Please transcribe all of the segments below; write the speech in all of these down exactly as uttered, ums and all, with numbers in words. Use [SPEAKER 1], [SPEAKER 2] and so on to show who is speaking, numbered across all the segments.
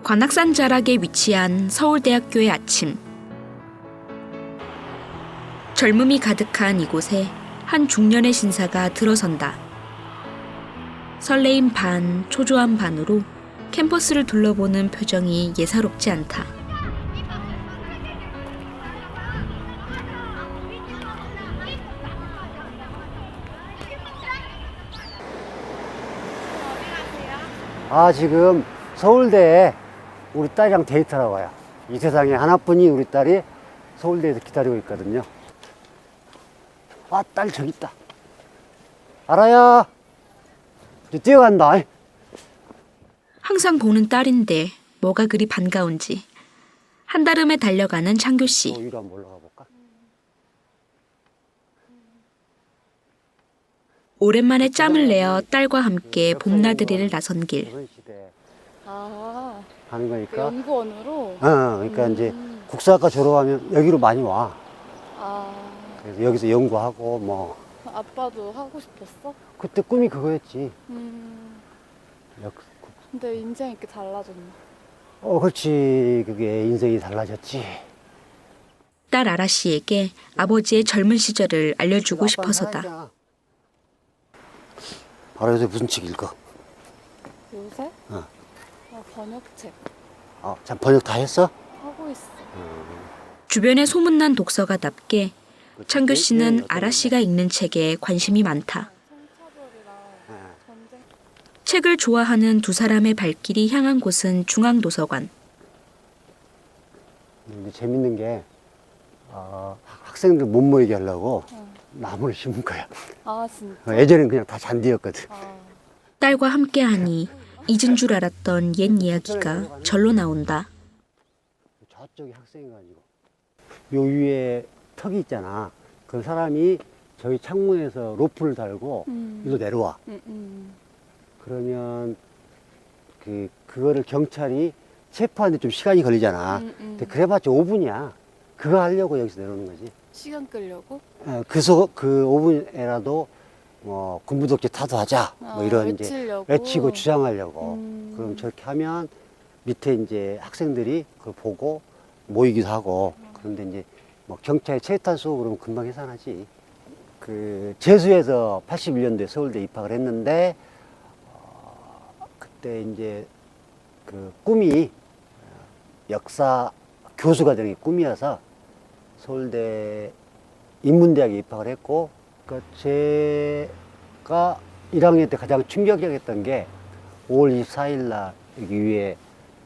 [SPEAKER 1] 관악산 자락에 위치한 서울대학교의 아침. 젊음이 가득한 이곳에 한 중년의 신사가 들어선다. 설레임 반, 초조함 반으로 캠퍼스를 둘러보는 표정이 예사롭지 않다.
[SPEAKER 2] 아, 지금 서울대에 우리 딸이랑 데이트하러 와요. 이 세상에 하나뿐인 우리 딸이 서울대에서 기다리고 있거든요. 아, 딸 저기 있다. 알아야. 이제 뛰어간다.
[SPEAKER 1] 항상 보는 딸인데 뭐가 그리 반가운지 한달음에 달려가는 창규 씨.
[SPEAKER 2] 또 위로 한번 올라가 볼까?
[SPEAKER 1] 오랜만에 짬을 내어 딸과 함께 봄나들이를 나선 길.
[SPEAKER 2] 조선시대
[SPEAKER 3] 아,
[SPEAKER 2] 가는
[SPEAKER 3] 그
[SPEAKER 2] 거니까.
[SPEAKER 3] 연구원으로?
[SPEAKER 2] 어, 그러니까
[SPEAKER 3] 음.
[SPEAKER 2] 이제 국사학과 졸업하면 여기로 많이 와.
[SPEAKER 3] 아,
[SPEAKER 2] 그래서 여기서 연구하고 뭐.
[SPEAKER 3] 아빠도 하고 싶었어?
[SPEAKER 2] 그때 꿈이 그거였지.
[SPEAKER 3] 음,
[SPEAKER 2] 역,
[SPEAKER 3] 근데 인생이 이렇게 달라졌네.
[SPEAKER 2] 어, 그렇지. 그게 인생이 달라졌지.
[SPEAKER 1] 딸 아라 씨에게 아버지의 젊은 시절을 알려주고 싶어서다.
[SPEAKER 2] 알아, 요새 무슨 책 읽어?
[SPEAKER 3] 요새?
[SPEAKER 2] 어.
[SPEAKER 3] 아, 번역책
[SPEAKER 2] 어, 참 번역 다 했어?
[SPEAKER 3] 하고 있어.
[SPEAKER 1] 주변에 소문난 독서가답게 창규 씨는
[SPEAKER 2] 어떤
[SPEAKER 1] 아라 씨가 읽는 책에 관심이 많다.
[SPEAKER 3] 성차별이랑
[SPEAKER 2] 네.
[SPEAKER 3] 전쟁.
[SPEAKER 1] 책을 좋아하는 두 사람의 발길이 향한 곳은 중앙도서관.
[SPEAKER 2] 근데 재밌는 게 어, 학생들 못 모이게 하려고
[SPEAKER 3] 어.
[SPEAKER 2] 나무를 심은 거야.
[SPEAKER 3] 아, 진짜?
[SPEAKER 2] 어, 예전엔 그냥 다 잔디였거든.
[SPEAKER 3] 아,
[SPEAKER 1] 딸과 함께하니 잊은 줄 알았던 옛 이야기가 절로 나온다.
[SPEAKER 2] 저쪽이 학생이가지고 요 위에 턱이 있잖아. 그 사람이 저희 창문에서 로프를 달고
[SPEAKER 3] 음.
[SPEAKER 2] 일로 내려와.
[SPEAKER 3] 음, 음.
[SPEAKER 2] 그러면 그 그거를 경찰이 체포하는데 좀 시간이 걸리잖아.
[SPEAKER 3] 음, 음.
[SPEAKER 2] 근데 그래봤자 오 분이야. 그거 하려고 여기서 내려오는 거지.
[SPEAKER 3] 시간 끌려고?
[SPEAKER 2] 어, 그, 소, 그 오 분에라도 뭐 군부독재 타도하자 뭐
[SPEAKER 3] 아,
[SPEAKER 2] 이런 이제
[SPEAKER 3] 외치려고?
[SPEAKER 2] 외치고 주장하려고.
[SPEAKER 3] 음.
[SPEAKER 2] 그럼 저렇게 하면 밑에 이제 학생들이 그걸 보고 모이기도 하고. 그런데 이제 뭐 경찰이 체탄 쏘고 그러면 금방 해산하지. 그 재수해서 팔십일 년도에 서울대 입학을 했는데 어, 그때 이제 그 꿈이 역사 교수가 되는 게 꿈이어서 서울대 인문대학에 입학을 했고, 그러니까 제가 일 학년 때 가장 충격적이었던 게 오월 이십사일 날 여기 위에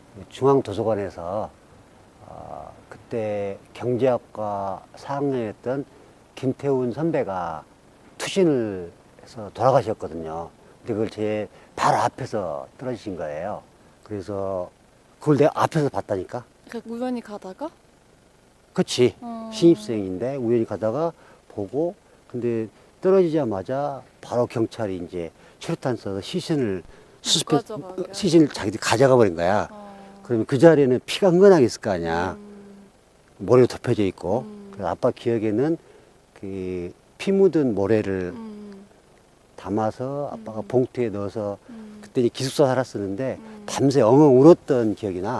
[SPEAKER 2] 중앙도서관에서 어, 그때 경제학과 사 학년이었던 김태훈 선배가 투신을 해서 돌아가셨거든요. 근데 그걸 제 바로 앞에서 떨어지신 거예요. 그래서 그걸 내가 앞에서 봤다니까.
[SPEAKER 3] 그 우연히 가다가?
[SPEAKER 2] 그치.
[SPEAKER 3] 어.
[SPEAKER 2] 신입생인데 우연히 가다가 보고, 근데 떨어지자마자 바로 경찰이 이제 최루탄 써서 시신을 수습해,
[SPEAKER 3] 가져가게.
[SPEAKER 2] 시신을 자기들이 가져가 버린 거야.
[SPEAKER 3] 어.
[SPEAKER 2] 그러면 그 자리에는 피가 흥건하게 있을 거 아니야.
[SPEAKER 3] 음.
[SPEAKER 2] 모래로 덮여져 있고.
[SPEAKER 3] 음.
[SPEAKER 2] 그래서 아빠 기억에는 그 피 묻은 모래를
[SPEAKER 3] 음.
[SPEAKER 2] 담아서 아빠가
[SPEAKER 3] 음.
[SPEAKER 2] 봉투에 넣어서
[SPEAKER 3] 음.
[SPEAKER 2] 그때 이제 기숙사 살았었는데
[SPEAKER 3] 음.
[SPEAKER 2] 밤새 엉엉 울었던 기억이 나.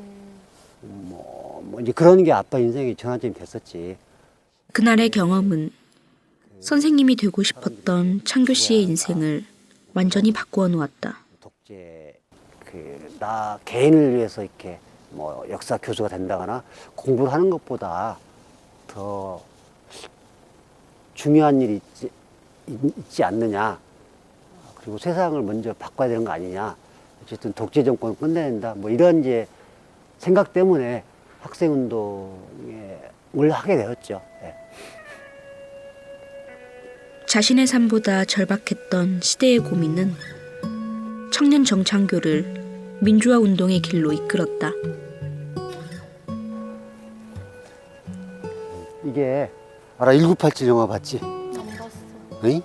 [SPEAKER 3] 음.
[SPEAKER 2] 뭐, 뭐 이제 그런 게 아빠 인생의 전환점이 됐었지.
[SPEAKER 1] 그날의 경험은 선생님이 되고 싶었던 창규 씨의 인생을 완전히 바꾸어 놓았다.
[SPEAKER 2] 독재 그 나 개인을 위해서 이렇게 뭐 역사 교수가 된다거나 공부를 하는 것보다 더 중요한 일이 있지, 있- 있지 않느냐. 그리고 세상을 먼저 바꿔야 되는 거 아니냐. 어쨌든 독재 정권을 끝내야 된다. 뭐 이런 이제 생각 때문에 학생운동을 하게 되었죠. 예.
[SPEAKER 1] 자신의 삶보다 절박했던 시대의 고민은 청년 정창교를 민주화 운동의 길로 이끌었다.
[SPEAKER 2] 이게 알아? 천구백팔십칠 영화 봤지?
[SPEAKER 3] 안 봤어.
[SPEAKER 2] 응?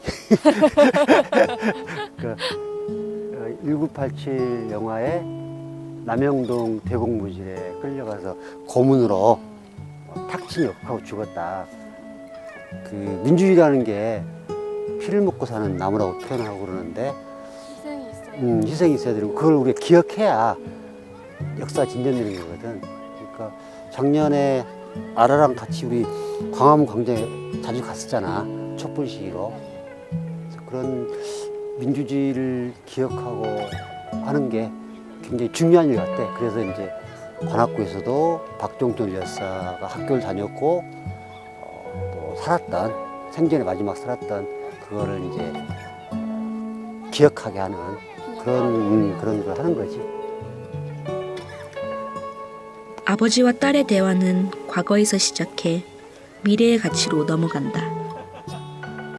[SPEAKER 2] 그, 어, 천구백팔십칠 영화에 남영동 대공무실에 끌려가서 고문으로 어, 탁친 역하고 죽었다. 그 민주주의라는 게 피를 먹고 사는 나무라고 표현하고 그러는데
[SPEAKER 3] 희생이 있어요.
[SPEAKER 2] 음, 희생이 있어야 되고 그걸 우리가 기억해야 역사 진전되는 거거든. 그러니까 작년에 아라랑 같이 우리 광화문 광장에 자주 갔었잖아. 촛불 시위로. 그래서 그런 민주주의를 기억하고 하는 게 굉장히 중요한 일 같아. 그래서 이제 관악구에서도 박종철 열사가 학교를 다녔고 어, 또 살았던 생전에 마지막 살았던 그거를 이제 기억하게 하는 그런 음, 그런 걸 하는 거지.
[SPEAKER 1] 아버지와 딸의 대화는 과거에서 시작해 미래의 가치로 넘어간다.